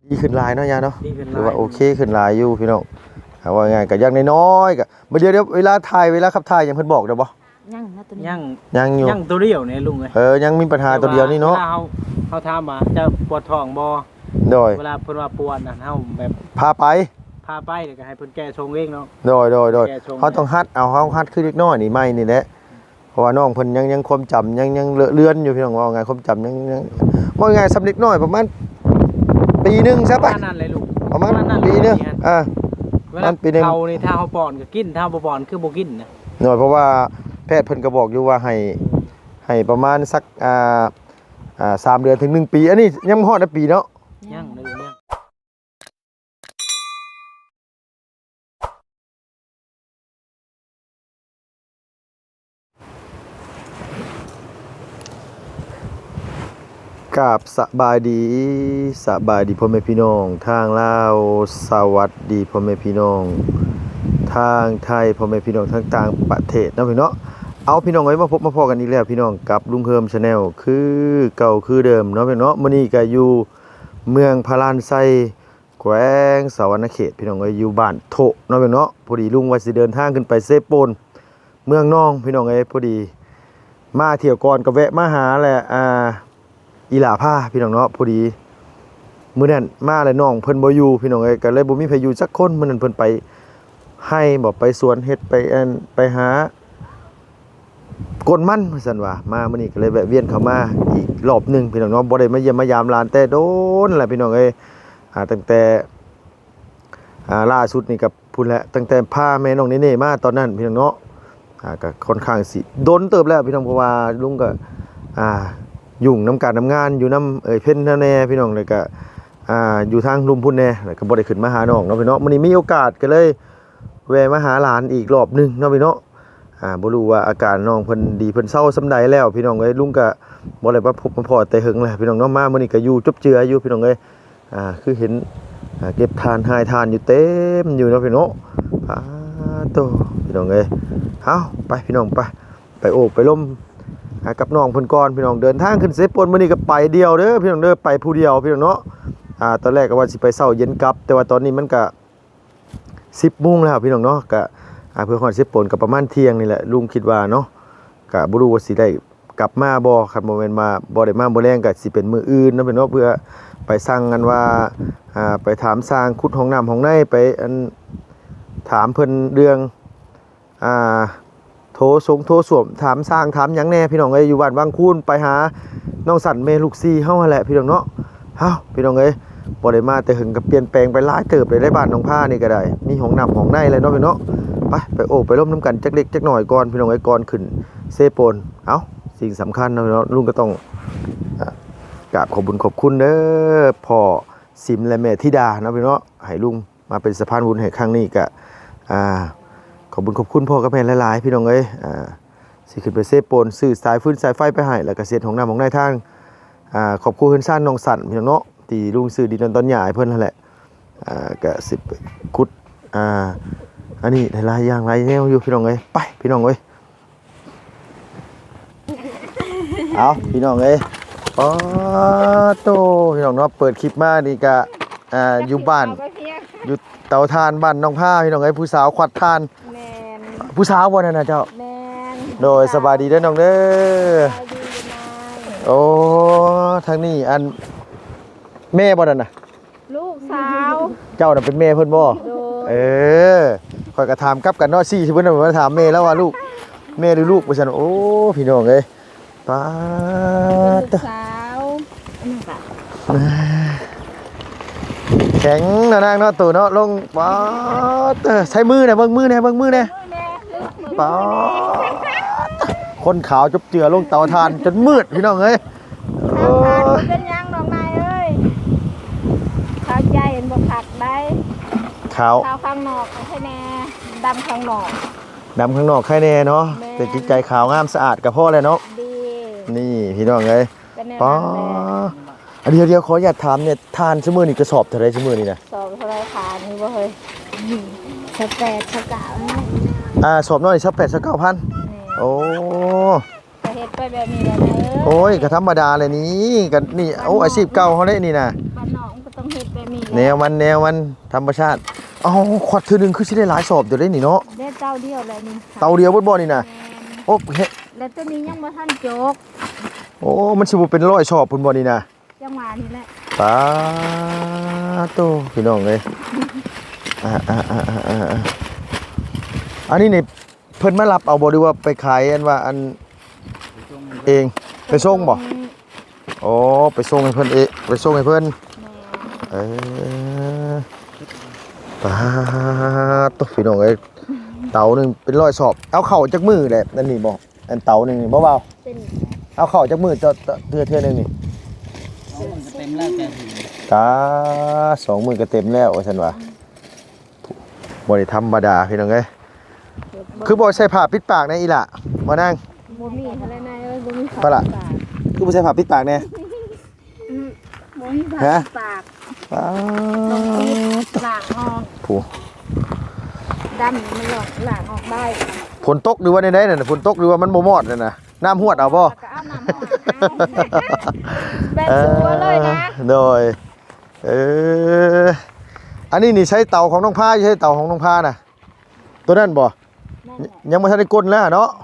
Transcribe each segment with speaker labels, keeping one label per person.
Speaker 1: ดีขึ้นหลายเนาะยาเนาะหรือว่าโอเคขึ้นหลายอยู่พี่น้องว่าไงก็ยังน้อยๆก็เดี๋ยวเวลาถ่ายเวลาขับถ่ายยังเพิ่นบอกได้บ่
Speaker 2: ยังนะตัวนี้
Speaker 1: ยังอยู่
Speaker 3: ยังตัวเดียวเนี่ยลุง
Speaker 1: ยังมีปัญหาตัวเดียวนี่เนาะ
Speaker 3: เขาถามว่าจะปวดท้องบ่
Speaker 1: โดย
Speaker 3: เวลาเพิ่นว่าปวดน่ะเฮาแบบ
Speaker 1: พาไป
Speaker 3: เดี๋ยวก็ให้เพิ่นแก้ชงเองเนาะ
Speaker 1: โดยเขาต้องฮัดเอาเขาฮัดคือเล็กน้อยนี่ไม่นี่แหละเพราะว่าน้องเพิ่นยังความจำยังเลือนอยู่พี่น้องว่าไงความจำยังว่าไงสำเร็จน้อยประมาณปีนึงใช่ป่ะ
Speaker 3: นั่นเลยลูก
Speaker 1: ประมาณปีนึง
Speaker 3: มันปีนึงเขานี่ถ้าเฮาป้อนก็กินถ้าบ่ป้อนคือบ่กินนะ
Speaker 1: หน่อยเพราะว่าแพทย์เพิ่นก็บอกอยู่ว่าให้ประมาณสัก3 เดือนถึง1 ปีอันนี้ยังบ่ฮอดปีเนาะ
Speaker 3: ยังเลยเนี่ย
Speaker 1: กับสบายดีพ่อแม่พี่น้องทางลาวสวัสดีพ่อแม่พี่น้องทางไทยพ่อแม่พี่น้องทั้งต่างประเทศนะพี่เนาะเอาพี่น้องไว้มาพบมาพอกันอีกแล้วพี่น้องกับลุงเฮิมชาแนลคือเก่าคือเดิมเนาะพี่เนาะมื้อนี้ก็อยู่เมืองพารานไซแขวงสะวรรณเขตพี่น้องก็อยู่บ้านโถเนาะพี่เนาะพอดีลุงว่าสิเดินทางขึ้นไปเซโปนเมืองน้องพี่น้องพอดีมาเที่ยวก่อนก็แวะมาหาแหละอีหล่าผ้าพี่น้องเนาะพอดีมื้อนั้นมาแล้วน้องเพิ่นบ่อยู่พี่น้องก็เลยบ่มีไผอยู่จักคนมื้อนั้นเพิ่นไปให้บ่ไปสวนเฮ็ดไปหากนมันว่าซั่นว่ามามื้อนี้ก็เลยแวะเวียนเข้ามาอีกรอบนึงพี่น้องเนาะบ่ได้มาเยี่ยมมายามหลานแต่โดนแหละพี่น้องตั้งแต่ล่าสุดนี่กับพุ่นแหละตั้งแต่พาแม่น้องเน่ๆมาตอนนั้นพี่น้องเนาะก็ค่อนข้างสิโดนเติบแล้วพี่น้องเพราะว่าลุงก็ยุ่งน้ำการทำงานอยู่น้ำเพิ่นแน่พี่น้องเลยก็อยู่ทางลุมพุ่นแน่แล้วก็บ่ได้ขึ้นมาหาน้องเนาะพี่เนาะมื้อนี้มีโอกาสก็เลยแวะมาหาหลานอีกรอบนึงเนาะพี่เนาะบ่รู้ว่าอาการน้องเพิ่นดีเพิ่นเซาส่ำใดแล้วพี่น้องลุงก็บ่ได้มาพบมาพอแต่หึงแหละพี่น้องเนาะมามื้อนี้ก็อยู่จบเจืออยู่พี่น้องคือเห็นเก็บทานหายทานอยู่เต็มอยู่เนาะพี่เนาะโตพี่น้องเอาไปพี่น้องไปโอบไปล้มกับน้องเพิ่นก่อนพี่น้องเดินทางขึ้นเซปนมื้อนี้ก็ไปเดียวเด้อพี่น้องเด้อไปผู้เดียวพี่น้องเนาะตอนแรกก็ว่าสิไปเช้าเย็นกลับแต่ว่าตอนนี้มันก็10 โมงแล้วพี่น้องเนาะก็เพื่อฮอดเซปนก็ประมาณเที่ยงนี่แหละลุงคิดว่าเนาะก็บ่รู้ว่าสิได้กลับมาบ่คันบ่แม่นมาบ่ได้มาบ่แรงก็สิเป็นมื้ออื่นเนาะพี่น้องเพื่อไปสั่งกันว่าไปถามสร้างขุดห้องน้ำห้องในไปถามเพิ่นเรื่องโทรสวมถามสร้างถามหยังแน่พี่น้องอยู่บ้านบางคูนไปหาน้องสันเมลูกซีเฮาหั่นแหละพี่น้องเนาะพี่น้องบ่ได้มาแต่หึงก็เปลี่ยนแปลงไปหลายเติบเลยได้บ้านน้องผ้านี่ก็ได้มีห้องน้ำห้องในเลยเนาะพี่เนาะไปโอบไปร่มน้ำกันจักเล็กจักหน่อยก่อนพี่น้องก่อนขึ้นเซโปนสิ่งสำคัญเนาะลุงก็ต้องกราบขอบคุญขอบคุณเด้อพ่อสิมและแม่ธิดาเนาะพี่เนาะให้ลุงมาเป็นสะพานบุญให้ครั้งนี้ก็ขอบคุณพ่อกับแม่หลายๆพี่น้องสิขึ้นไปเซฟโปนซื้อสายฟื้นสายไฟไปให้แล้วก็เสียของน้ำของในทางขอบคุณเพิ่นซ่านน้องสั่นพี่น้องเนาะที่ลุงซื้อดินตอนใหญ่เพิ่นนั่นแหละก็สิขุดอันนี้หลายอย่างหลายแนวอยู่พี่น้องไปพี่น้องเอาพี่น้องโตพี่น้องเนาะเปิดคลิปมานี่ก็อยู่บ้านอยู่เตาถ่านบ้านน้องผ้าพี่น้องผู้สาวขวัดถ่านผู้สาวบ่นั่นน่ะเจ้าโดยสบายดีเด้อน้องเด้อโอ้ทางนี้อันแม่บ่นั่นน่ะ
Speaker 2: ลูกสาว
Speaker 1: เจ้าน่ะเป็นแม่เพิ่นบ่ข่อยก็ถามกลับกันเนาะสิเพิ่นมาถามแม่แล้วว่าลูกแม่หรือลูกว่าซั่นโอ้พี่น้องป๊าด
Speaker 2: สาว
Speaker 1: แข็งนะนางเนาะตู่เนาะลงป๊าดใช้มือเนี่ยเบิ่งมือเนี่ยป๊าดคนขาวจบเจือลงเตาถ่านจนมืดพี่น้อง
Speaker 2: เป็นยังน้องนายขาวใจเห็นบ่ผักได้
Speaker 1: ขาว
Speaker 2: ข้างนอกแค่แน่ดำข้างนอก
Speaker 1: แค่แน่เนาะแต่จิตใจขาวงามสะอาดกับพ่อเลยเนาะนี่พี่น้องป๊าดเดี๋ยวขออยากถามเนี่ยทานชั่วโมงนี่กระสอบเท่าไรชั่วโมงนี่นะ
Speaker 2: สอบเท่าไรทานนี่บ่เฮ้ย
Speaker 1: สอบน้อย9,000โอ้
Speaker 2: เฮ็ดไปแบบนี้ได้ไหม
Speaker 1: โอ้ยก็ธรรมดาเลยนี่กันนี่อาชีพเก่าเขาเลยนี่นะ
Speaker 2: บ้านน้องก็ต้องเฮ็ดแบบนี้มี
Speaker 1: แนวมันธรรมชาติเอ้าขวดเทื่อนึงคือสิได้หลายสอบอยู่ได้นี่เนาะ
Speaker 2: ได้เต้าเดียวเลยนี่
Speaker 1: เตาเดียวบ่นี่น่ะโอ้เฮ้
Speaker 2: แล้วตัวนี้ยังบ่ทันโจก
Speaker 1: โอ้มันสิบ่เป็น100สอบพุ่นบ่นี่น่ะ
Speaker 2: จังหวะนี้แหละ
Speaker 1: ปาโตพี่น้องเอ้ยอันนี้นี่เพิ่นมารับเอาบ่หรือว่าไปขายอันว่าอันเองไปส่งบ่อ๋อไปส่งให้เพิ่นเองไปส่งให้เพิ่นเออปาโตพี่น้องเอ้ยเตาหนึงเป็น100สอบเอาเข้าจักมือแหละนั่นนี่บ่อันเตาหนึงนี่บ่เบา
Speaker 2: เป็น
Speaker 1: เอาเข้าจักมือเทื่อนึงนี่
Speaker 3: เต็มแล้วแต่ถึง
Speaker 1: ตา2 มื้อก็เต็มแล้วว่าซั่นว่าบ่ได้ธรรมดาพี่น้องเอ้ยคือบ่ใส่ผ้าปิดปากแน่อีหล่ะมานั่ง
Speaker 2: บ่มีอะไรนายเอ้ยบ่มี
Speaker 1: ปะล่ะ คือบ่ใส่ผ้าปิดปากแน่
Speaker 2: บ่มีผัก
Speaker 1: ฮะ
Speaker 2: ปาก
Speaker 1: อ้า
Speaker 2: ต้องปิดหลางออก
Speaker 1: ผู้
Speaker 2: ดำมันหลางออกได้
Speaker 1: ฝนตกหรือว่าใดๆนั่นน่ะฝนตกหรือว่ามันบ่มอดนั่นน่ะน้ำหวดเอาบ่
Speaker 2: แล้วก็เอาน้ำมาแบบสัวเลยนะ
Speaker 1: โดยอันนี้นี่ใช้เตาของน้องพาใช้เตาของน้องพาน่ะตัวนั้นบ่
Speaker 2: นั่นแหละ
Speaker 1: ยังบ่ทันได้ก้นแล้วเนาะ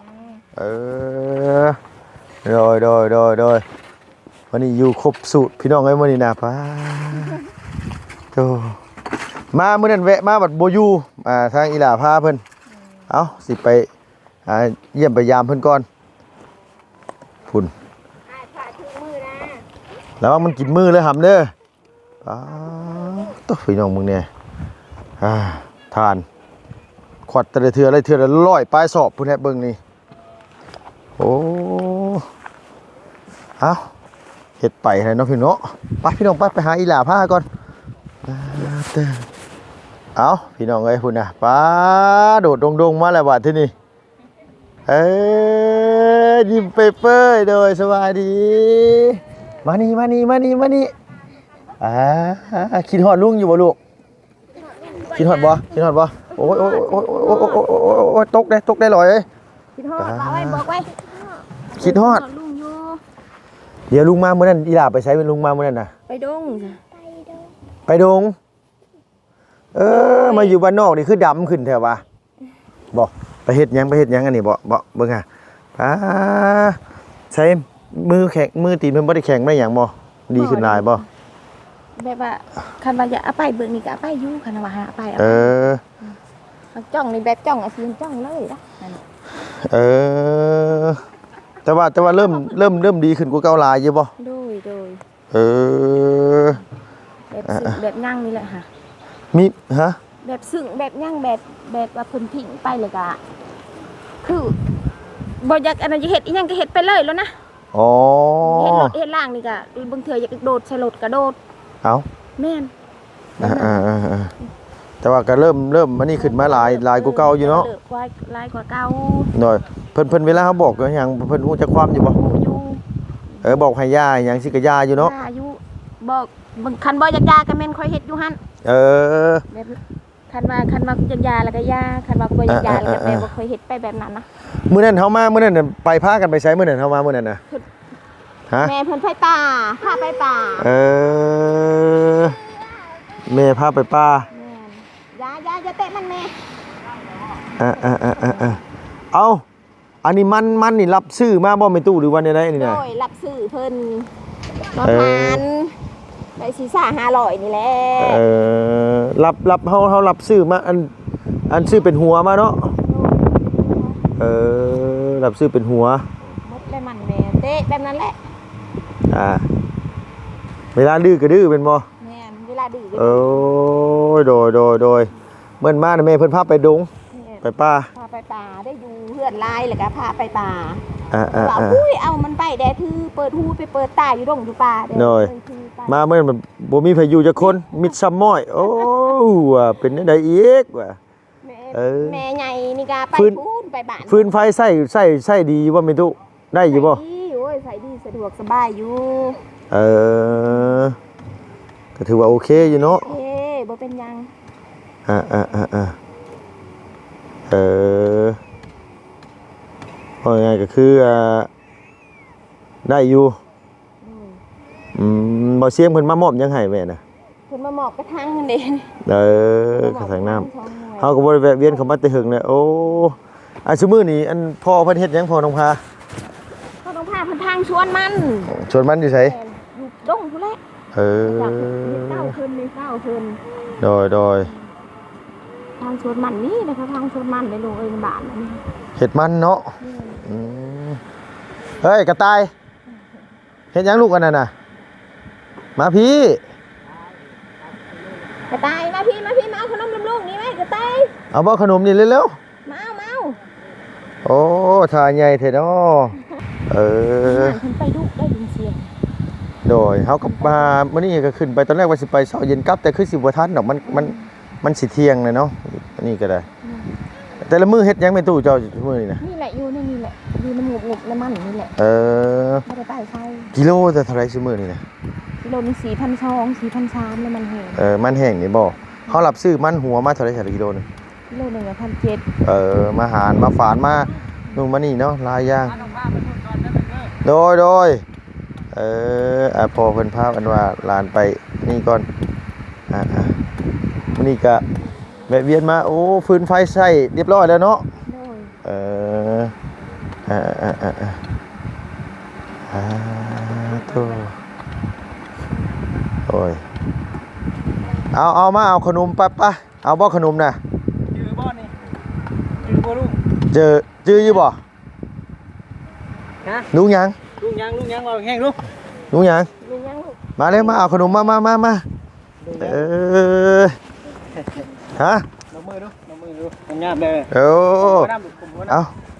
Speaker 1: โดยวันนี้อยู่ครบสูตรพี่น้องเอ้ยมื้อนี้นะพาโตมามื้อนั้นแวะมาบัดบ่อยู่ทางอีหล่าพาเพิ่นเอ้าสิไปเยี่ยมไปยามเพิ่นก่อนพุ่น
Speaker 2: ถ่ายถึงมือนะ
Speaker 1: แล้วว่ามันกินมือเลยหำเด้อตัวพี่น้องมึงเนี่ยทานขวดแต่ละเทืออะไรเทือละ100ปลายสอบพุ่นแฮะเบิ่งนี่โอ้เอาเฮ็ดไปให้น้องพี่น้องไปพี่น้องไปหาอีหล่าผ้าก่อนเอาพี่น้องเอ้ยพุ่นน่ะป้าโดดดงๆมาแล้วบาดที่นี่ยิ้มเปยๆโดยสวัสดีมานี่คิดฮอดลุงอยู่บ่ลูกคิดฮอดบ่โอ้ยตกได้ลอยเอ้ย
Speaker 2: คิดฮอดเอาไว้บอกไว้
Speaker 1: คิดฮอด
Speaker 2: ลุงอยู่
Speaker 1: เดี๋ยวลุงมามื้อนั้นอีหล่าไปใช้เป็นลุงมามื้อนั้นน่ะ
Speaker 2: ไปดง
Speaker 1: ไปดงมาอยู่บ้านนอกนี่คือดำขึ้นแท้วะบ่ไปเฮ็ดหยังอันนี้บ่เบิ่งใช้มือแข็งมือตีนมันบ่ได้แข็งไม่หยังบ่ดีขึ้นหลายบ่
Speaker 2: แบบว่าคันว่าจะเอาไปเบิ่งนี่ก็เอาไปอยู่คันว่าหาไป จ้องนี่แบบจ้องอาชีพจ้องเลยนะ
Speaker 1: แต่ว่าเริ่มดีขึ้นกว่าเก่าหลายอยู่บ่
Speaker 2: โดยแบบสึกแบบยั่งนี่แหละค่ะ
Speaker 1: มีฮะ
Speaker 2: แบบสึกแบบยั่งแบบว่าเพิ่นทิ้งไปเลยก็คือบ่อยากอันนั้นจะเฮ็ดอีหยังก็เฮ็ดไปเลยแล้วนะ
Speaker 1: อ๋อ
Speaker 2: เฮ็ดรถเฮ็ดล่างนี่ก็บางเทื่ออยากโดดใส่รถก็โดด
Speaker 1: เอ้า
Speaker 2: แม่น
Speaker 1: แต่ว่าก็เริ่มมันนี่ขึ้นมาหลายกว่าเก่าอยู่เนาะ
Speaker 2: หลายกว่าเก่า
Speaker 1: หน่อยเพิ่นเวลาเขาบอกก็หยังเพิ่นฮู้จักความอยู่บ่
Speaker 2: อยู่
Speaker 1: บอกให้ย่าหยังสิก็ย่าอยู่เนาะ
Speaker 2: อายุบอกบางคันบ่อยากยาก็แม่นค่อยเฮ็ดอยู่หั่น แบบคันว่าอยากยาแล้วก็ยาคันว่าบ่อยากยาแล้วก็แบบบ่ค่อยเฮ็ดไปแบบนั้นนะ
Speaker 1: มื้อนั้นเฮามามื้อนั้นน่ะไปพากันไปใช้มื้อนั้นเฮามามื้อนั้นน่ะฮะ
Speaker 2: แม่เพิ่นไปป่าพาไปป่า
Speaker 1: แม่พาไปป่า
Speaker 2: ยาอย่าเตะมันแม่
Speaker 1: เอาอันนี้มันนี่รับซื้อมาบ่แม่ตู้หรือว่าได้นี่น่ะ
Speaker 2: โอ้ยรับซื้อเพิ่นประมาณได้สิ500นี่แหละ
Speaker 1: รับเฮารับซื้อมาอันซื้อเป็นหัวมาเนาะรับซื้อเป็นหัว
Speaker 2: มดเลยมันแม่เตะแบบนั้นแหละ
Speaker 1: เวลาดื้อก็ดื้อเป็นบ่
Speaker 2: แม่นเวลาดื้อก็
Speaker 1: โอ้ยโดยเมื่อมาน่ะแม่เพิ่นพาไปดงไปป่า
Speaker 2: พาไปป่าได้อยู่เฮือนลายแล้วก็พาไปป่า
Speaker 1: ว่า
Speaker 2: อุ้ยเอามันไปแดทือเปิดหูไปเปิดตาอยู่ดงอยู่ป่าเด้
Speaker 1: หน่อยมาเมื่อมันบ่มีไผอยู่จักคนมิดซ้ำม้อยโอ้ว่ะเป็นจังไดอีกว่ะ
Speaker 2: แม่ใหญ่นี่ก็ไปพูนไปบ้าน
Speaker 1: ฟืนไฟใส่ดีบ่แม่ตุได้อยู่บ่
Speaker 2: ใส่ดีโอ้ยใส่ดีสะดวกสบายอยู่
Speaker 1: ก็ถือว่าโอเคอยู่เนาะ
Speaker 2: เอ้บ่เป็นหยัง
Speaker 1: ว่าไงก็คือได้อยู่บ่เสียงเพิ่นมามอบยังให้แม่น่ะ
Speaker 2: พิ่นมาหมอบกระทั่งนั่นเด้
Speaker 1: กระถางน้ำเฮาก็บ่ได้แวะเวียนเข้ามาแต่หึงเนี่ยโอ้อันซุมื้อนี้อันพ่อเพิ่นเฮ็ดหยังพ่อน้องพา
Speaker 2: เขาต้องพาเพิ่นทางชวนมัน
Speaker 1: ชวนมันอยู่ไส
Speaker 2: อยู่ดงพุ่นแหละ จากเต้าขึ้นนี่เต้าขึ้น
Speaker 1: โดย
Speaker 2: ทางชวนมันนี่นะคะทางชวนมันในโรงเอ้ยในบ้านนั่นนี่
Speaker 1: เฮ็ดมันเนาะอืมเฮ้ยกระต่ายเฮ็ดหยังลูกอันนั้นน่ะมาพี่
Speaker 2: กระต่ายมาพี่มาเอาขนมลูกๆนี่ไหมกระต่าย
Speaker 1: เอาบ่ขนมนี่เร็ว
Speaker 2: มาเอา
Speaker 1: ๆโอ้ทาใหญ่แท้เนาะเออ
Speaker 2: ขึ้นไปดุได้ยินเสียง
Speaker 1: โดยเฮาก็มามื้อนี้ก็ขึ้นไปตอนแรกว่าสิไปเช้าเย็นกลับแต่คือสิบ่ทันดอกมันสิเที่ยงเลยเนาะอันนี้ก็ได้ แต่ละมื้อเฮ็ดหยังแม่ตู้เจ้ามื้อนี้นะ
Speaker 2: นี่แหละอยู่นี่แหละอยู่น้ำงบน้ำมันนี่แหละ
Speaker 1: เออ
Speaker 2: ไม่ได้ไปใช่
Speaker 1: กิโลแต่เท่าไหร่ซุมื้อนี้นะ
Speaker 2: กิโลนึง4,200 4,300แล้วมันแห้ง
Speaker 1: มันแห้งนี่บ่เฮารับซื้อมันหัวมาเท่าไหร่กิโลนึง
Speaker 2: กิโลนึง1,700
Speaker 1: มาหารมาฝานมานู่นมานี่เนาะหลายอย่างโดยพอเพิ่นพาอันว่าหลานไปนี่ก่อนมื้อนี้ก็แวะเวียนมาโอ้ฟืนไฟใช้เรียบร้อยแล้วเนาะ
Speaker 2: โดย
Speaker 1: โธ่โอ้ยเอามาเอาขนมไปเอาบ่ขนมน่ะ
Speaker 3: จื้อบ่นี่จื้อบ่ลุง
Speaker 1: จื้ออยู่บ่
Speaker 3: ฮะ
Speaker 1: ลุงหยัง
Speaker 3: ลุงยังว่าแห้งลุง
Speaker 1: ลุงหยัง
Speaker 2: ลุงยังลูก
Speaker 1: มาเลยมาเอาขนมมา
Speaker 3: ลุง
Speaker 1: ฮะ
Speaker 3: น้ำมือดูงามๆเด้อ
Speaker 1: โอ้
Speaker 3: น้ำดูผมว่า
Speaker 1: เอา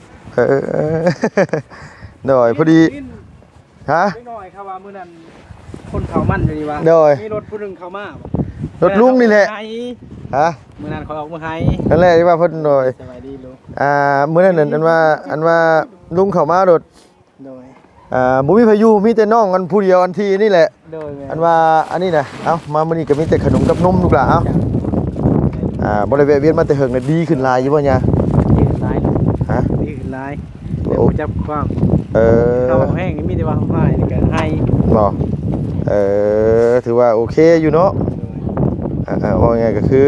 Speaker 1: หน่อยพอดีฮะ
Speaker 3: เล็กน้อยครับว่ามื้อนั้นคนเขามั่นอยู่นี่ว่า
Speaker 1: โดย
Speaker 3: มีรถผู้หนึงเข้ามาร
Speaker 1: ถลุงนี่แหละฮะ
Speaker 3: มื้อนั้นเขาออกมาให้
Speaker 1: นั่นแหละที่ว่าเพิ่นหน่อย
Speaker 3: สบายดีลุง
Speaker 1: มื้อนั้นอันว่าลุงเข้ามารถ
Speaker 3: โดย
Speaker 1: บ่มีพายุมีแต่น้องกันผู้เดียวอันที่นี่แหละ
Speaker 3: โดยแม่
Speaker 1: อันว่าอันนี้นะเอ้ามามื้อนี้ก็มีแต่ขนมกับนมลูกหล่ะเอ้าบ่ได้แวะเวียนมาแต่เฮิงน่ะดีขึ้นหลายอยู่บ่เนี่ย
Speaker 3: ดีขึ้นหลาย
Speaker 1: ฮะ
Speaker 3: ดีขึ้นหลายเดี๋ยวผมจับความ เขาแห้งมีแต่ว่าเขาให้นี่ก็ให้
Speaker 1: บ่ถือว่าโอเคอยู่เนาะว่าไงก็คือ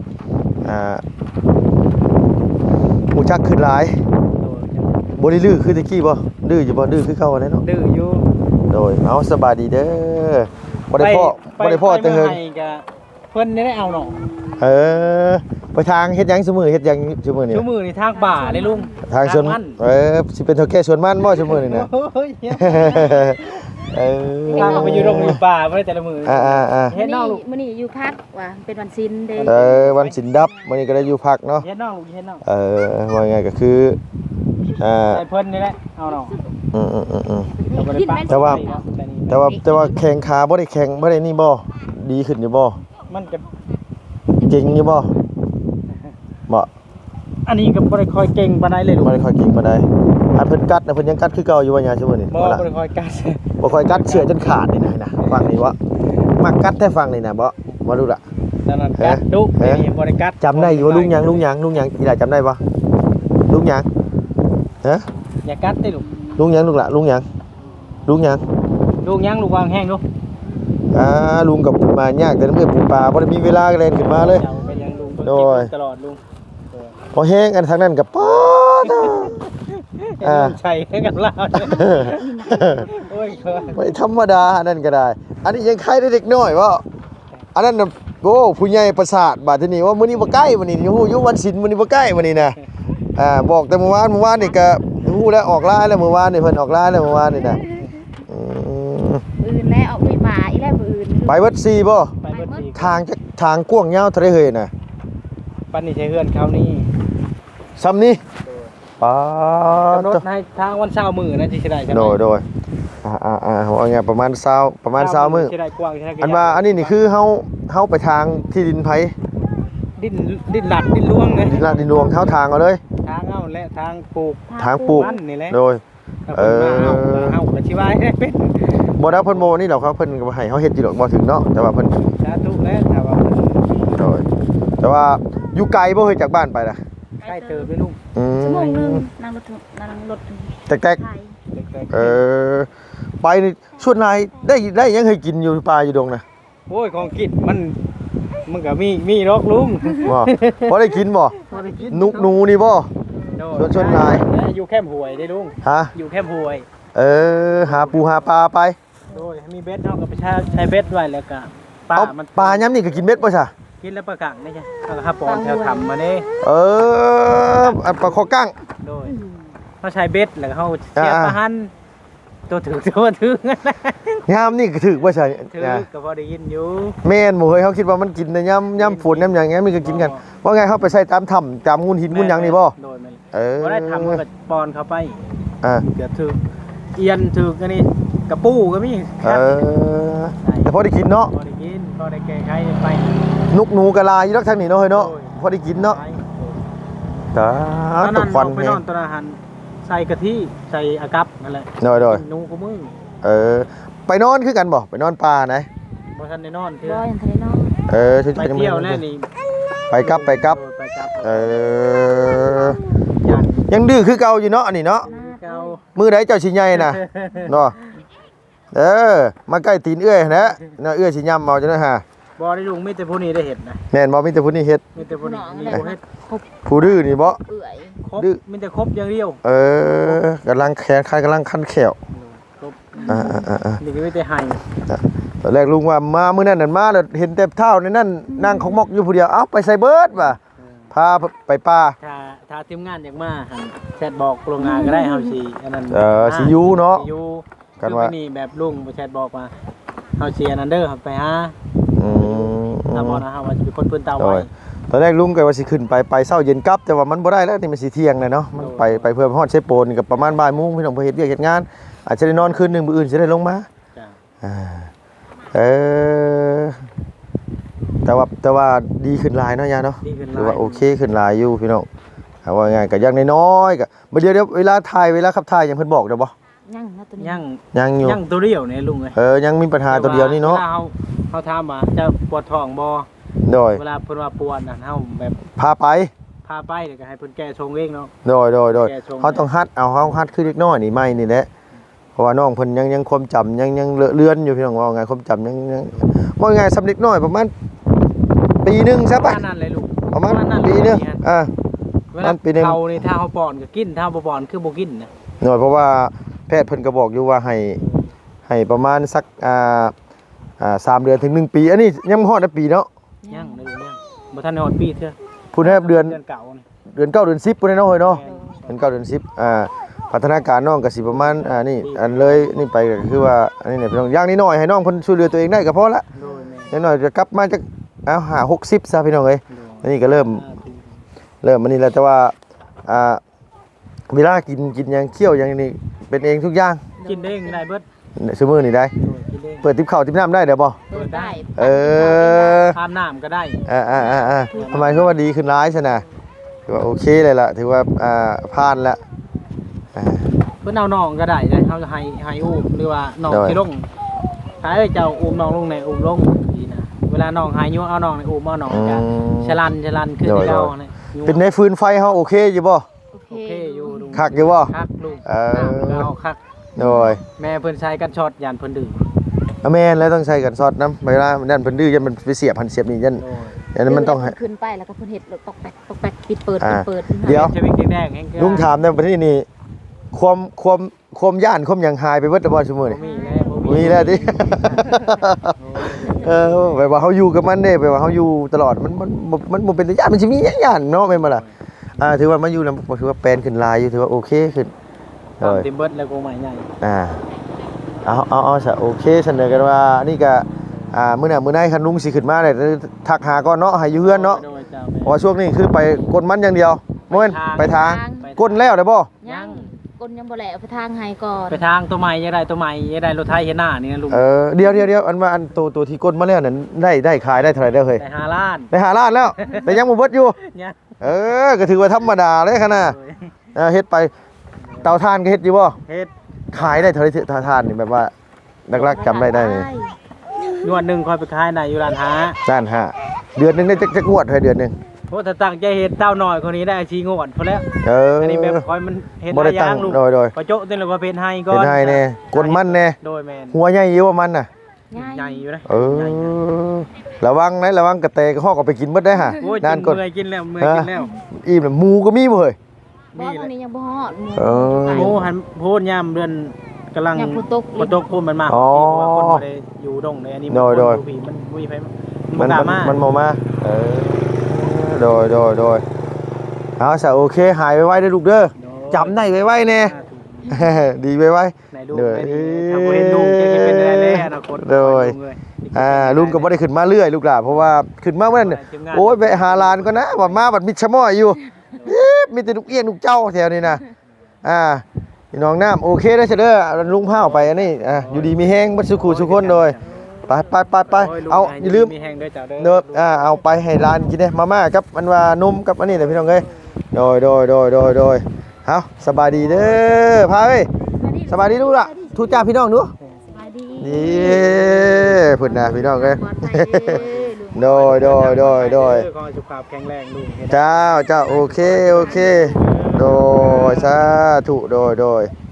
Speaker 1: ผู้จักขึ้นหลาย
Speaker 3: โดย
Speaker 1: บ่ได้ดื้อคือตะกี้บ่ดื้ออยู่บ่ดื้อคือเก่าแน่เนาะ
Speaker 3: ดื้ออยู่
Speaker 1: โดยเอาสบายดีเด้อบ่ได้พ่อแต่เฮิง
Speaker 3: ไปก็เพิ่นได้เอาเนาะ
Speaker 1: ไปทางเฮ็ดหยังซุมื้อเฮ็ดหยังซุมื้อนี่
Speaker 3: ชั่วมือนี่ทางบ่าเลยลุง
Speaker 1: ทางสวน
Speaker 3: มัน
Speaker 1: สิเป็นเท่าแก่สวนมันบ่ซุมื้อนี่นะ
Speaker 3: โอ้ย
Speaker 1: เออ
Speaker 3: ทางไปอยู่โรงอยู่ป่าบ่ได้แต่ละมื้อ
Speaker 2: มื้อนี้อยู่พักว่าเป็นวันศีลเด้
Speaker 1: วันสินดับมื้อนี้ก็ได้อยู่พักเนาะ
Speaker 3: เฮ็ดน้องลูกเฮ็ดน้อง
Speaker 1: ว่าไงก็คือ
Speaker 3: ไอ้เพิ่นนี่แหละเอาเนาะ
Speaker 2: กินแม่น
Speaker 1: แต่ว่าแข่งขาบ่ได้แข่งบ่ได้นี่บ่ดีขึ้นอยู่บ่
Speaker 3: มันก็
Speaker 1: เก่งอยู่บ่บ่
Speaker 3: อันนี้ก็บ่ได้ค่อยเก่งปานใดเลยลูก
Speaker 1: บ่ได้ค่อยเก่งปานใดอันเพิ่นกัดนะเพิ่นยังกัดคือเก่าอยู่ว่าหยังซุมื้อนี่
Speaker 3: บ่
Speaker 1: ล่ะ
Speaker 3: ได้ค่อยกัด
Speaker 1: บ่ค่อยกัดเชือกจนขาดนี่นะฟังนี่วะมักกัดแท้ฟังนี่นะบ่รู้ล่ะ
Speaker 3: นั่นนั่นกัดดุนี่บ่ได้กัด
Speaker 1: จำได้อยู่ว่าลุงหยังอีหล่าจำได้บ่ลุงหยังฮะ
Speaker 3: อย่ากัดติลูก
Speaker 1: ลุงหยังลูกล่ะลุงหยัง
Speaker 3: ลูกยังลูกวางแห้งลูก
Speaker 1: ลุงกับมายากแต่น้ำเอื้อปูปลาบ่ได้มีเวลาเล่นขึ้นมาเลย
Speaker 3: เจ้าก็ยังลุงเพิ่น
Speaker 1: โดย
Speaker 3: กินตลอดลุง
Speaker 1: พอแห้งอันทางนั้นกับป๊อด
Speaker 3: ใช่ให้กันลาวโอ้ย
Speaker 1: ไม่ธรรมดาอันนั้นก็ได้ อันนี้ยังใครได้เด็กน้อยว่าอันนั้นน่ะโอ้ผู้ใหญ่ประสาทบาดทีนี้ว่ามื้อนี้บ่ใกล้มื้อนี้ฮู้อยู่วันศิลป์มื้อนี้บ่ใกล้มื้อนี้นะบอกแต่เมื่อวานนี่ก็ฮู้แล้วออกไลน์แล้วเมื่อวานนี่เพิ่นออกไลน์แล้วเมื่อวานนี่นะ
Speaker 2: อื่นแล้วเอาไปป่าอีแล้วบ่อื่น
Speaker 1: ไปเบิด4บ่
Speaker 3: ไปเบิดอีก
Speaker 1: ทางกว้างยาวเท่าใดเฮ้ยน่ะ
Speaker 3: ปันนี่ใช้เฮือนเขานี่
Speaker 1: ซ้ำนี่ป๊าด
Speaker 3: รถให้ทางวันเสาร์มื้อนะที่สิได้ใช่ไหม
Speaker 1: โดยว่าไงประมาณ20มื้อ
Speaker 3: สิได้กว้างสิได้
Speaker 1: อันว่าอันนี้นี่คือเฮาไปทางที่ดินไผ
Speaker 3: ดินหลัดดินล้วงเลย
Speaker 1: ดินลาดดินหลวงเฮาทางเอาเลย
Speaker 3: ทางเอาและทางปลูก
Speaker 1: ทางปลูก
Speaker 3: มันนี่แหละ
Speaker 1: โดย
Speaker 3: เอาก็สิว่าให้เป็น
Speaker 1: บ่ได้เพิ่นโมนี่ดอกครับเพิ่นก็ให้เฮาเฮ็ดอยู่ดอกบ่ถึงเนาะแต่ว่าเพิ่น
Speaker 3: สาธุแล้วถ้าว่า
Speaker 1: โดยแต่ว่าอยู่ไกลบ่เฮ้ยจากบ้านไปน่ะ
Speaker 3: ใกล้เติบด้วยลุง
Speaker 2: ชั่วโมงนึงนั่งรถ
Speaker 1: แตก
Speaker 2: ไทย
Speaker 1: ๆไปนี่ส่วนนายได้ยังให้กินอยู่ป่าอยู่ดงน่ะ
Speaker 3: โอ้ยของกินมันก็มีรอกลุง
Speaker 1: บ่บ่ได้กินบ่
Speaker 3: บ่ได้กิน
Speaker 1: นุกหนูนี่บ่
Speaker 3: โดย
Speaker 1: ชวนๆนาย
Speaker 3: อยู่แคมป์ห้วยได้ลุง
Speaker 1: ฮะ
Speaker 3: อยู่แคมป์ห้วย
Speaker 1: หาปูหาปลาไป
Speaker 3: โดยมีเบ็ดเฮาก็ไปใช้เบ็ดไว้แล้วก็ปลา
Speaker 1: เอา
Speaker 3: มัน
Speaker 1: ปลาย้ำนี่ก็กินเม็ดป่ะจ้ะ
Speaker 3: กินแล้วปลากังนี่จ้ะเอาครับปอนแถวทำมานี่
Speaker 1: อันปลาคอกั้ง
Speaker 3: โดยเขาใช้เบ็ดแล้วก็เขาเสียบปลาหันตัวถือตัวถือ
Speaker 1: ย้ำนี่ก็ถือป่ะจ้ะ
Speaker 3: ถือก็พอได้ยินอยู่
Speaker 1: แม่นหมูเฮ้ยเขาคิดว่ามันกินในย้ำฝนย้ำอย่างเงี้ยมันก็กินกันว่าไงเขาไปใส่ตามถ้ำตามงูหินงูหยังนี่บ่
Speaker 3: โดยมัน
Speaker 1: บ่
Speaker 3: บ่ได้ทำมันก็ปอนเข้าไป
Speaker 1: อ่า
Speaker 3: เกือบถือเอียนถือกันนี่กระปูก็มีครับ
Speaker 1: แต่พอได้กินเนาะ
Speaker 3: พอได้กินพอได้แก้ไขไป
Speaker 1: นุกหนูกะลาอยู่รักทางนี้เนาะเฮ้ยเนาะพอได้กินเนาะตา
Speaker 3: ตอน
Speaker 1: ต
Speaker 3: นั้
Speaker 1: ก
Speaker 3: น
Speaker 1: ควัน
Speaker 3: เราไป
Speaker 1: แฮ
Speaker 3: นอนตอนอาหารใส่กะทิใส่อากับนั่นแหละ
Speaker 1: โดย
Speaker 3: นูกูมึง
Speaker 1: ไปนอนคือกันบ่ไปนอนป่าไหน
Speaker 3: บ่ทันได้นอนเทื่
Speaker 2: บ่
Speaker 3: อ
Speaker 2: ยังทะเลน้อง
Speaker 3: ไปเที่ยวแล้วนี่
Speaker 1: ไปกลับ
Speaker 3: ไปกลับ ยัน
Speaker 1: ยังดื้อคือเก่าอยู่เนาะอันนี้เนาะ
Speaker 3: เก่า
Speaker 1: มือไหนเจ้าสิใหญ่น่ะ เนาะมาใกล้ตีนเอื้อยนะน่ะเอื้อยสิย่ำเอาจังได๋ฮะ
Speaker 3: บ่ได้ลุงมีแต่ผู้นี้ได้เห็ดนะ
Speaker 1: แม่นบ่มีแต่ผู้นี้เฮ็ด
Speaker 3: มีแต่ผู้นี้มีผู้เฮ็ด
Speaker 1: ผู้ดื้อนี่บ่
Speaker 2: เปื่อย
Speaker 3: ครบมีแต่ครบอย่างเดียว
Speaker 1: กำลังแขนคันกำลังคันแขว
Speaker 3: ครบ
Speaker 1: อ่า
Speaker 3: นี่ก็มีแต่ไห้
Speaker 1: ตอนแรกลุงว่ามามื้อนั้นนั่นมาแล้วเห็นแต่เท้าในนั่นนั่งของมอกอยู่ผู้เดียวเอ้าไปใส่เบิดว่ะพาไปป่า
Speaker 3: ถ้าทีมงานอยากมาหั่นแชทบอกโรงงานก็ได้เฮาสิอันนั้น
Speaker 1: สิอยู่เนาะ
Speaker 3: สิอยู่
Speaker 1: กันว่า
Speaker 3: คือนี่แบบลุงบ่แชทบอกว่าเฮาสิอันนั้นเด้อครับไปหา
Speaker 1: อืม
Speaker 3: ถ้าบ่นะเฮาว่าสิเป็นคนเพิ่นเตา
Speaker 1: โด
Speaker 3: ไว้
Speaker 1: ยตอนแรกลุงก็ว่าสิขึ้นไปเช้าเย็นกลับแต่ว่ามันบ่ได้แล้วนี่มันสิเที่ยงเลยเนาะมันไปเพื่อฮอดเชโปนกับประมาณบ่ายโมงพี่น้องเพิ่นเฮ็ดเวียกเฮ็ดงาน อาจจะได้นอนคืนนึงมื้ออื่นสิได้ลงมา
Speaker 3: จ้ะ
Speaker 1: แต่ว่าดีขึ้นหลายเนาะยาเนาะ
Speaker 3: ดีขึ้นห
Speaker 1: ห
Speaker 3: ลาย
Speaker 1: รือว่าโอเคขึ้นหลายอยู่พี่น้องเอาว่าง่ายก็อย่างน้อยๆก็บ่เดี๋ยวเวลาถ่ายเวลาขับถ่ายยังเพิ่นบอกได้บ่
Speaker 2: ยังนะตัวนี้
Speaker 3: ยัง
Speaker 1: ยังอยู่
Speaker 3: ยังตัวเดียวนี่ลุงเอ้ย
Speaker 1: ยังมีปัญหาตัวเดียวนี่เนาะ
Speaker 3: วลเฮาถามว่าจะปวดท้องบ่
Speaker 1: โดย
Speaker 3: เวลาเพิ่นว่าปวดน่ะเฮาแบบ
Speaker 1: พาไป
Speaker 3: พาไปเดี๋ยวก็ให้เพิ่นแก้ชงเองเนาะ
Speaker 1: โดย
Speaker 3: แก้ชง
Speaker 1: เขาต้องฮัดเอาเฮาฮัดคือเล็กน้อยนี่ไม่นี่แหละเพราะว่าน้องเพิ่นยังความจำยังเลือนอยู่พี่น้องว่าไงความจำยังว่าไงสำเร็จน้อยประมาณปีนึงซะ
Speaker 3: ป
Speaker 1: ป่ะ
Speaker 3: ระมาณนั้นเลยลูก
Speaker 1: ประมาณ
Speaker 3: นั้น
Speaker 1: ปีนึง
Speaker 3: เลย เว
Speaker 1: มั
Speaker 3: ลาน
Speaker 1: ปีหนึ่ง
Speaker 3: เขานี่ถ้าเฮาป้อนก็กินถ้าบ่ป้อนคือบ่กินนะ
Speaker 1: หน่อยเพราะว่าแพทย์เพิ่นก็บอกอยู่ว่าให้ประมาณสัก3 เดือนถึง 1 ปีอันนี้ยังบ่ฮอดได้ปีเนาะ
Speaker 3: ยังได้ลูกยังบ่ทันได้ฮอดปีเทื่อ
Speaker 1: พูดให้เดือน
Speaker 3: เก่านี่
Speaker 1: เดือน9เดือน10พุ่นเนาะเฮ้ยเนาะ
Speaker 3: แม่น
Speaker 1: เดือน9เดือน10พัฒนาการน้องก็สิประมาณนี่อันเลยนี่ไปก็คือว่าอันนี้เนี่ยพี่น้องอย่างนี้หน่อยให้น้องเพิ่นช่วยเหลือตัวเองได้ก็พอละ
Speaker 3: โดยแม่
Speaker 1: อย่างน้อยจะกลับมาจัก60ซะพี่น้องเอ้ย
Speaker 3: โดย
Speaker 1: อันนี้ก็เริ่มอันนี้แล้วแต่ว่าเวลากินหยังเคี่ยวหยังนี่เป็นเองทุกอย่าง
Speaker 3: กินเองได้เบิด
Speaker 1: ซุมื้อนี่ได้
Speaker 3: โดยกินเอง
Speaker 1: เปิดติ๊บข้าวติ๊บน้ำได้เดี๋ยวบ่
Speaker 2: เปิดได้
Speaker 3: อาบน้ำก็ได้
Speaker 1: ทำไมเขาว่าดีขึ้นร้ายใช่ไหมถือว่าโอเคเลยล่ะถือว่าผ่านแล้ว
Speaker 3: เพิ่นเอาน้องก็ได้เฮาจะให้อุ้มหรือว่าน้องสิลงถ้าเจ้าอุ้มน้องลงในอุ้มลงดีนะเวลาน้องหายอยู่เอาน้องในอุ้มเอาน้องจะฉลันคือที่เก่านี่
Speaker 1: เป็นในฟืนไฟเขาโอเคอยู่บ่
Speaker 2: โอเค
Speaker 3: โอเคอยู่ลุง
Speaker 1: คักอยู่บ่
Speaker 3: คักลุง เอาคัก
Speaker 1: โดย
Speaker 3: แม่เพิ่นใช้กันช็อตยานเพิ่นดื่ม
Speaker 1: แม่นแล้วต้องใช้กันซอดน้ำเวลานั่นเพิ่นดื้อยันมันไปเสียบหันเสียบนี่ยัน
Speaker 3: โอ้ย
Speaker 1: ยันมันต้องให้
Speaker 2: ขึ้นไปแล้วก็เพิ่นเฮ็ดตกแปกปิดเปิด
Speaker 1: เดี๋ยว
Speaker 3: ชีวิตแดงๆแห้ง
Speaker 1: ลุงถามในประเทศนี้ความย่านความหยังหายไปเบิดแล้วบ่ซุมื้อนี่
Speaker 3: มีแล้ว
Speaker 1: มีแล้วดิแบบว่าเขาอยู่กับมันเด้แบบว่าเขาอยู่ตลอดมันบ่เป็นตาย่านมันสิมีย่านเนาะแม่นบ่ล่ะถือว่ามาอยู่แล้วถือว่าแปลนขึ้นหลายอยู่ถือว่าโอเคขึ้น
Speaker 3: ติมเบิร์ดแล้วก็ใหม่ใหญ่
Speaker 1: เอาซะโอเคเสนอกันว่านี่ก็มื้อหน้ามื้อไหนคันลุงสิขึ้นมาเนี่ยทักหาก่อนเนาะให้อยู่เฮือนเนาะเพราะว่าช่วงนี้คือไปกดมันอย่างเดียวบ่แม่นไปทางกดแล้วได้บ่
Speaker 2: ยังกลยังบ่แลเอาไปทางให้ก่อน
Speaker 3: ไปทางตัวใหม่ยังได้ตัวใหม่ยังได้รถไทยเห็นหน้านี่นะลุง
Speaker 1: เดี๋ยวอันว่าอันตัวที่กดมาแล้วนั่นได้ขายได้เท่าไหร่แล้วเฮ้ย
Speaker 3: ได้5 ล้าน
Speaker 1: ได้5ล้านแล้ว แต่ยังบ่เบิดอยู่
Speaker 3: เนี่ย
Speaker 1: ก็ถือว่าธรรมดาเลยขนาดเฮ็ดไปเตาถ่านก็เฮ็ดอยู่บ่
Speaker 3: เฮ็ด
Speaker 1: ขายได้เท่าไหร่เตาถ่านนี่แบบว่าลักๆจำได้นี่
Speaker 3: งวดหนึงคอยไปขายในอยู่ร้านหา
Speaker 1: ล้านห้าเดือนหนึงได้จักงวดเท่าเดือนหนึง
Speaker 3: โอ้ถ้าตั้งใจเฮ็ดเต้าน้อยคนนี้ได้ชีงวดพอแล้วอันนี้แบบคอยมันเฮ็ด
Speaker 1: บ่
Speaker 3: ห
Speaker 1: ได้
Speaker 3: ลายอ
Speaker 1: ตั้
Speaker 3: ย่าง งลุง
Speaker 1: โดย
Speaker 3: พอโจ๊ะเต็มเลยว่าเป็นให้ก่อ
Speaker 1: เป็น นให้แน่กดมันแน่
Speaker 3: โดยแม่น
Speaker 1: หัวใหญ่อยู่ว่ามันน่ะ
Speaker 3: ใหญ่อยู่นะ
Speaker 1: ใหญ่ระวังนะระวังกระเตกระหอกเอาไปกินหมดได้ฮะ
Speaker 3: โอ้ย
Speaker 1: นานก่อน
Speaker 3: เมื่อยกินแล้วเมื่อยกินแล้ว
Speaker 1: อิ่มแล้วหมูก็มีบ่เฮ้ย
Speaker 2: บ่ตอนนี้ยังบ่ฮอด
Speaker 3: โอ้หันโพดยามเดือนกำลัง
Speaker 2: ยังฝนตก
Speaker 3: ฝนตกพูดมันมา
Speaker 1: อ๋อ
Speaker 3: เพราะว่าคนบ่ได้อยู่ดงในอันนี้
Speaker 1: โดย
Speaker 3: คนผีมันมีไผมันกล้ามา
Speaker 1: มันบ่มาโดยเอาซะโอเคหายไวๆเด้อลูกเด้อจำได้ไวๆแน่ ดีไว
Speaker 3: ไหนดูไหนดีทำบ่เห็นดูจะกินเป็นได้แล้วอนาคต
Speaker 1: โดยลุงก็บ่ได้ขึ้นมาเรื่อยลูกหล่ะเพราะว่าขึ้นมาเมื่อนั้นโอ้ยไปหาลานก่อนนะว่ามาบัดมิดชะม้อยอยู่มีแต่ลูกเอี้ยนลูกเจ้าแถวนี้นะพี่น้องน้ำโอเคได้อเสยเด้อลุงพาออกไปอันนี้อยู่ดีมีแห้งบัดสุขุสุคนโดยไปเอาอย่าลืม
Speaker 3: มีแห้งด้วยจ้าเด้อ
Speaker 1: เนิบเอาไปให้ร้านกินเด้มาม่ากับมันว่านมกับอันนี้แหละพี่น้องเอ้ยโดยเอาสบายดีเด้อพาเอ้ยสบายดีลูกล่ะทูจ้าพี่น้องดู
Speaker 2: สบายดี
Speaker 1: นี่พุ่นนะพี่น้องเอ้ย
Speaker 2: ปลอดภัยเด้อลูก
Speaker 1: โดย
Speaker 3: ขอให้สุขภาพแข็งแรงลุง
Speaker 1: เจ้าโอเคโดยสาธุโดย